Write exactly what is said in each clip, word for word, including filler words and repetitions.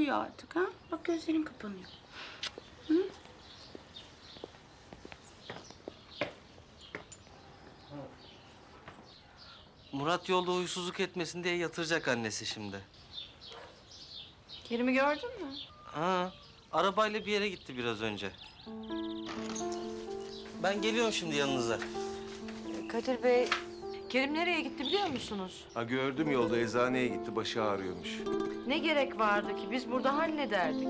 uyu artık ha. Bak gözlerin kapanıyor. Hı? Murat yolda huysuzluk etmesin diye yatıracak annesi şimdi. Kerim'i gördün mü? Ha, arabayla bir yere gitti biraz önce. Ben geliyorum şimdi yanınıza. Kadir Bey, Kerim nereye gitti biliyor musunuz? Ha gördüm yolda eczaneye gitti, başı ağrıyormuş. Ne gerek vardı ki? Biz burada hallederdik.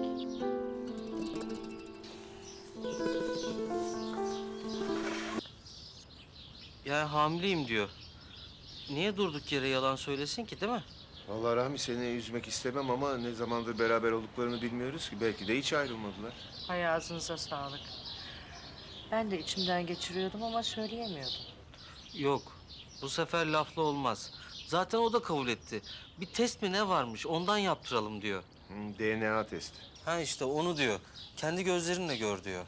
Yani hamileyim diyor. Niye durduk yere yalan söylesin ki, değil mi? Vallahi Rahmi seni üzmek istemem ama ne zamandır beraber olduklarını bilmiyoruz ki. Belki de hiç ayrılmadılar. Hay ağzınıza sağlık. Ben de içimden geçiriyordum ama söyleyemiyordum. Yok, bu sefer laflı olmaz. Zaten o da kabul etti. Bir test mi ne varmış, ondan yaptıralım diyor. Hı, D N A testi. Ha işte onu diyor. Kendi gözlerinle gör diyor.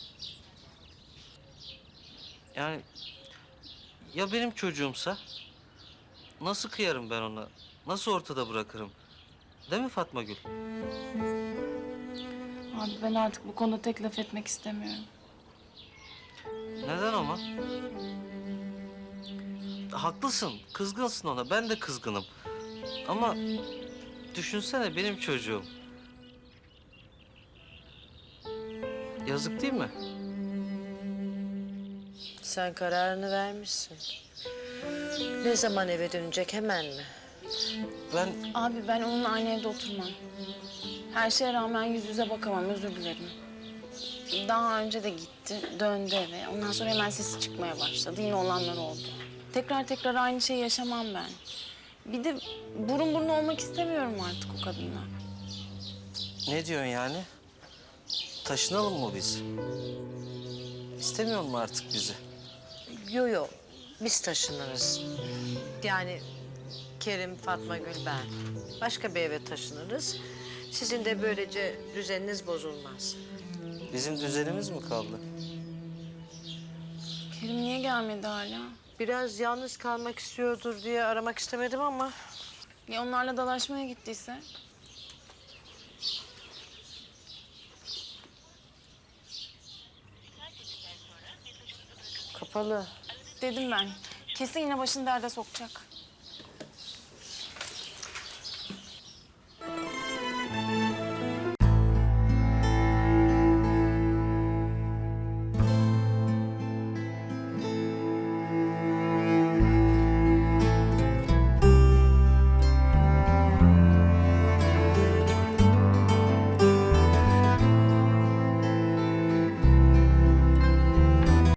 Yani ya benim çocuğumsa nasıl kıyarım ben ona? Nasıl ortada bırakırım? Değil mi Fatma Gül? Abi ben artık bu konuda tek laf etmek istemiyorum. Neden ama? Haklısın, kızgınsın ona. Ben de kızgınım. Ama düşünsene benim çocuğum. Yazık değil mi? Sen kararını vermişsin. Ne zaman eve dönecek, hemen mi? Ben Abi ben onunla aynı evde oturmam. Her şeye rağmen yüz yüze bakamam, özür dilerim. Daha önce de gitti, döndü eve. Ondan sonra hemen sesi çıkmaya başladı. Yine olanlar oldu. Tekrar tekrar aynı şeyi yaşamam ben. Bir de burun buruna olmak istemiyorum artık o kadınla. ne diyorsun yani? Taşınalım mı biz? İstemiyor mu artık bizi? Yo yo, biz taşınırız. Yani Kerim, Fatma Gül, ben. Başka bir eve taşınırız. Sizin de böylece düzeniniz bozulmaz. Bizim düzenimiz mi kaldı? Kerim niye gelmedi hala? Biraz yalnız kalmak istiyordur diye aramak istemedim ama... Ya onlarla dalaşmaya gittiyse? Kapalı. Dedim ben. Kesin yine başını derde sokacak.